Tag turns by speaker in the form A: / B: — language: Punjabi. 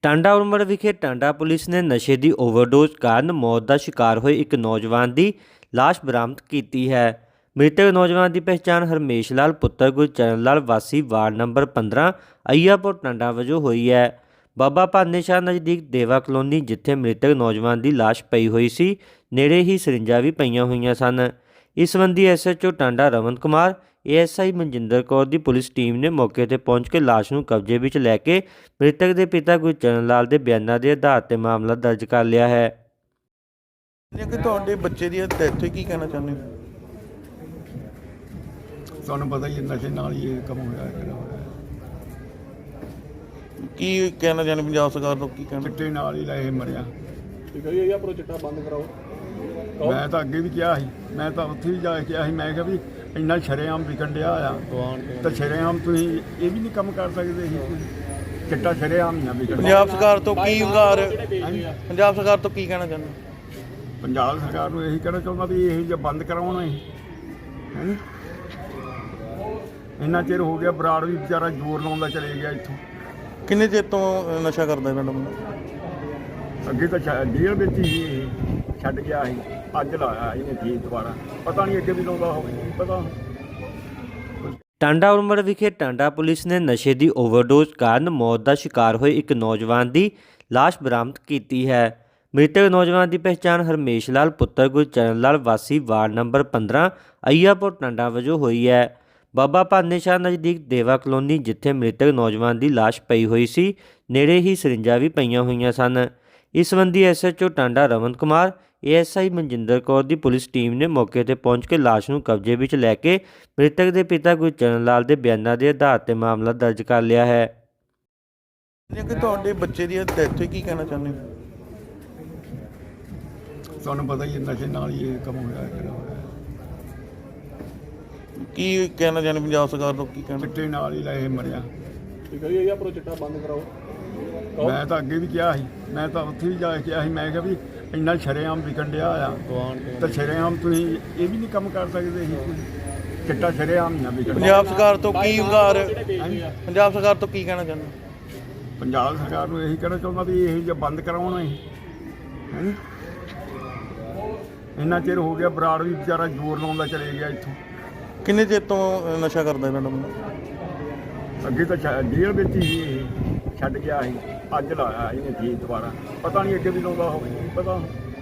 A: ਟਾਂਡਾ ਉਮਰ ਵਿਖੇ ਟਾਂਡਾ ਪੁਲਿਸ ਨੇ ਨਸ਼ੇ ਦੀ ਓਵਰਡੋਜ਼ ਕਾਰਨ ਮੌਤ ਦਾ ਸ਼ਿਕਾਰ ਹੋਏ ਇੱਕ ਨੌਜਵਾਨ ਦੀ ਲਾਸ਼ ਬਰਾਮਦ ਕੀਤੀ ਹੈ। ਮ੍ਰਿਤਕ ਨੌਜਵਾਨ ਦੀ ਪਹਿਚਾਣ ਹਰਮੇਸ਼ ਲਾਲ ਪੁੱਤਰ ਗੁਰਚਰਨ ਲਾਲ ਵਾਸੀ ਵਾਰਡ ਨੰਬਰ 15 ਅਈਆਪੁਰ ਟਾਂਡਾ ਵਜੋਂ ਹੋਈ ਹੈ। ਬਾਬਾ ਭਾਨੇ ਸ਼ਾਹ ਨਜ਼ਦੀਕ ਦੇਵਾ ਕਲੋਨੀ ਜਿੱਥੇ ਮ੍ਰਿਤਕ ਨੌਜਵਾਨ ਦੀ ਲਾਸ਼ ਪਈ ਹੋਈ ਸੀ, ਨੇੜੇ ਹੀ ਸਰਿੰਜਾਂ ਵੀ ਪਈਆਂ ਹੋਈਆਂ ਸਨ। ਇਸ ਸੰਬੰਧੀ ਐਸਐਚਓ ਟਾਂਡਾ ਰਮਨ ਕੁਮਾਰ, ਏਐਸਆਈ ਮਨਜਿੰਦਰ ਕੌਰ ਦੀ ਪੁਲਿਸ ਟੀਮ ਨੇ ਮੌਕੇ ਤੇ ਪਹੁੰਚ ਕੇ ਲਾਸ਼ ਨੂੰ ਕਬਜ਼ੇ ਵਿੱਚ ਲੈ ਕੇ ਮ੍ਰਿਤਕ ਦੇ ਪਿਤਾ ਗੁਰਚਰਨ ਲਾਲ ਦੇ ਬਿਆਨਾਂ ਦੇ ਆਧਾਰ ਤੇ ਮਾਮਲਾ ਦਰਜ ਕਰ ਲਿਆ ਹੈ।
B: ਕਿ ਤੁਹਾਡੇ ਬੱਚੇ ਦੀ ਡੈਥ ਹੋਈ, ਕੀ ਕਹਿਣਾ ਚਾਹੁੰਦੇ ਹੋ?
C: ਤੁਹਾਨੂੰ ਪਤਾ ਹੀ ਨਸ਼ੇ ਨਾਲ ਹੀ ਇਹ ਕੰਮ ਹੋਇਆ ਕਿਹੜਾ ਹੋਇਆ।
B: ਕੀ ਕਹਿਣਾ ਚਾਹੁੰਦੇ ਪੰਜਾਬ ਸਰਕਾਰ ਤੋਂ? ਕੀ ਕਹਿਣਾ?
C: ਚਿੱਟੇ ਨਾਲ ਹੀ ਇਹ ਮਰਿਆ।
B: ਠੀਕ ਹੈ ਜੀ, ਇਹ ਆਪਣਾ ਚਿੱਟਾ ਬੰਦ ਕਰਾਓ।
C: ਮੈਂ ਤਾਂ ਅੱਗੇ ਵੀ ਕਿਹਾ ਸੀ, ਮੈਂ ਤਾਂ ਉੱਥੇ ਵੀ ਜਾ ਕੇ ਕਿਹਾ ਸੀ, ਮੈਂ ਕਿਹਾ ਵੀ ਇੰਨਾ ਸ਼ਰੇਆਮ ਵਿਕਣ ਡਿਆ ਆ ਤਾਂ ਸ਼ਰੇਆਮ ਤੁਸੀਂ ਇਹ ਵੀ ਨਹੀਂ ਕੰਮ ਕਰ ਸਕਦੇ ਸੀ। ਚਿੱਟਾ ਸ਼ਰੇਆਮ ਨਾ ਵਿਕਣ।
B: ਪੰਜਾਬ ਸਰਕਾਰ ਤੋਂ ਕੀ ਪੰਜਾਬ ਸਰਕਾਰ ਤੋਂ ਕੀ ਕਹਿਣਾ ਚਾਹੁੰਦੇ?
C: ਪੰਜਾਬ ਸਰਕਾਰ ਨੂੰ ਇਹੀ ਕਹਿਣਾ ਚਾਹੁੰਦਾ ਵੀ ਇਹ ਜੇ ਬੰਦ ਕਰਾਉਣਾ ਹੈ। ਇੰਨਾ ਚਿਰ ਹੋ ਗਿਆ, ਬਰਾੜ ਵੀ ਵਿਚਾਰਾ ਜ਼ੋਰ ਲਾਉਂਦਾ ਚਲੇ ਗਿਆ ਇੱਥੋਂ।
B: ਕਿੰਨੇ ਚਿਰ ਤੋਂ ਨਸ਼ਾ ਕਰਦਾ ਮੈਡਮ?
C: ਅੱਗੇ ਤਾਂ ਜੇਲ੍ਹ ਵਿੱਚ ਹੀ ਇਹ ਛੱਡ ਗਿਆ ਸੀ, ਅੱਜ ਲਾਇਆ ਇਹਨੇ ਫੇਰ ਦੁਬਾਰਾ। ਪਤਾ ਨਹੀਂ ਅੱਗੇ ਵੀ ਲਾਉਂਦਾ ਹੋਵੇ, ਨਹੀਂ ਪਤਾ।
A: ਟਾਂਡਾ ਉਮਰ ਵਿਖੇ ਟਾਂਡਾ ਪੁਲਿਸ ਨੇ ਨਸ਼ੇ ਦੀ ਓਵਰਡੋਜ਼ ਕਾਰਨ ਮੌਤ ਦਾ ਸ਼ਿਕਾਰ ਹੋਏ ਇੱਕ ਨੌਜਵਾਨ ਦੀ ਲਾਸ਼ ਬਰਾਮਦ ਕੀਤੀ ਹੈ। ਮ੍ਰਿਤਕ ਨੌਜਵਾਨ ਦੀ ਪਹਿਚਾਣ ਹਰਮੇਸ਼ ਲਾਲ ਪੁੱਤਰ ਗੁਰਚਰਨ ਲਾਲ ਵਾਸੀ ਵਾਰਡ ਨੰਬਰ 15 ਅਈਆਪੁਰ ਟਾਂਡਾ ਵਜੋਂ ਹੋਈ ਹੈ। ਬਾਬਾ ਭਾਨੇ ਸ਼ਾਹ ਨਜ਼ਦੀਕ ਦੇਵਾ ਕਲੋਨੀ ਜਿੱਥੇ ਮ੍ਰਿਤਕ ਨੌਜਵਾਨ ਦੀ ਲਾਸ਼ ਪਈ ਹੋਈ ਸੀ, ਨੇੜੇ ਹੀ ਸਰਿੰਜਾਂ ਵੀ ਪਈਆਂ ਹੋਈਆਂ ਸਨ। ਇਸ ਸੰਬੰਧੀ ਐਸਐਚਓ ਟਾਂਡਾ ਰਮਨ ਕੁਮਾਰ, ਏਐਸਆਈ ਮਨਜਿੰਦਰ ਕੌਰ ਦੀ ਪੁਲਿਸ ਟੀਮ ਨੇ ਮੌਕੇ ਤੇ ਪਹੁੰਚ ਕੇ ਲਾਸ਼ ਨੂੰ ਕਬਜ਼ੇ ਵਿੱਚ ਲੈ ਕੇ ਮ੍ਰਿਤਕ ਦੇ ਪਿਤਾ ਗੁਰਚਰਨ ਲਾਲ ਦੇ ਬਿਆਨਾਂ ਦੇ ਆਧਾਰ ਤੇ ਮਾਮਲਾ ਦਰਜ ਕਰ ਲਿਆ ਹੈ।
B: ਕਿ ਤੁਹਾਡੇ ਬੱਚੇ ਦੀ ਡੈਥ ਹੋਈ, ਕੀ ਕਹਿਣਾ ਚਾਹੁੰਦੇ ਹੋ?
C: ਤੁਹਾਨੂੰ ਪਤਾ ਹੀ ਨਸ਼ੇ ਨਾਲ ਹੀ ਇਹ ਕੰਮ ਹੋਇਆ ਕਿਹੜਾ ਹੋਇਆ।
B: ਕੀ ਕਹਿਣਾ ਚਾਹੁੰਦੇ ਪੰਜਾਬ ਸਰਕਾਰ ਤੋਂ? ਕੀ ਕਹਿਣਾ?
C: ਚਿੱਟੇ ਨਾਲ ਹੀ ਇਹ ਮਰਿਆ।
B: ਠੀਕ ਹੈ ਜੀ, ਇਹ ਆਪਣਾ ਚਿੱਟਾ ਬੰਦ ਕਰਾਓ।
C: ਮੈਂ ਤਾਂ ਅੱਗੇ ਵੀ ਕਿਹਾ ਸੀ, ਮੈਂ ਤਾਂ ਉੱਥੇ ਵੀ ਜਾ ਕੇ ਕਿਹਾ ਸੀ, ਮੈਂ ਕਿਹਾ ਵੀ ਇੰਨਾ ਸ਼ਰੇਆਮ ਵਿਕਣ ਡਿਆ ਆ ਤਾਂ ਸ਼ਰੇਆਮ ਤੁਸੀਂ ਇਹ ਵੀ ਨਹੀਂ ਕੰਮ ਕਰ ਸਕਦੇ ਸੀ। ਚਿੱਟਾ ਸ਼ਰੇਆਮ ਨਾ ਵਿਕਣ।
B: ਪੰਜਾਬ ਸਰਕਾਰ ਤੋਂ ਕੀ ਪੰਜਾਬ ਸਰਕਾਰ ਤੋਂ ਕੀ ਕਹਿਣਾ ਚਾਹੁੰਦੇ?
C: ਪੰਜਾਬ ਸਰਕਾਰ ਨੂੰ ਇਹੀ ਕਹਿਣਾ ਚਾਹੁੰਦਾ ਵੀ ਇਹ ਜੇ ਬੰਦ ਕਰਾਉਣਾ ਹੈ। ਇੰਨਾ ਚਿਰ ਹੋ ਗਿਆ, ਬਰਾੜ ਵੀ ਵਿਚਾਰਾ ਜ਼ੋਰ ਲਾਉਂਦਾ ਚਲੇ ਗਿਆ ਇੱਥੋਂ।
B: ਕਿੰਨੇ ਚਿਰ ਤੋਂ ਨਸ਼ਾ ਕਰਦਾ ਮੈਡਮ?
C: ਅੱਗੇ ਤਾਂ ਜੇਲ੍ਹ ਵਿੱਚ ਹੀ ਇਹ ਛੱਡ ਗਿਆ ਸੀ, ਅੱਜ ਲਾਇਆ ਇਹਨੇ ਫੇਰ ਦੁਬਾਰਾ। ਪਤਾ ਨਹੀਂ ਅੱਗੇ ਵੀ ਲਾਉਂਦਾ ਹੋਵੇ, ਨਹੀਂ ਪਤਾ।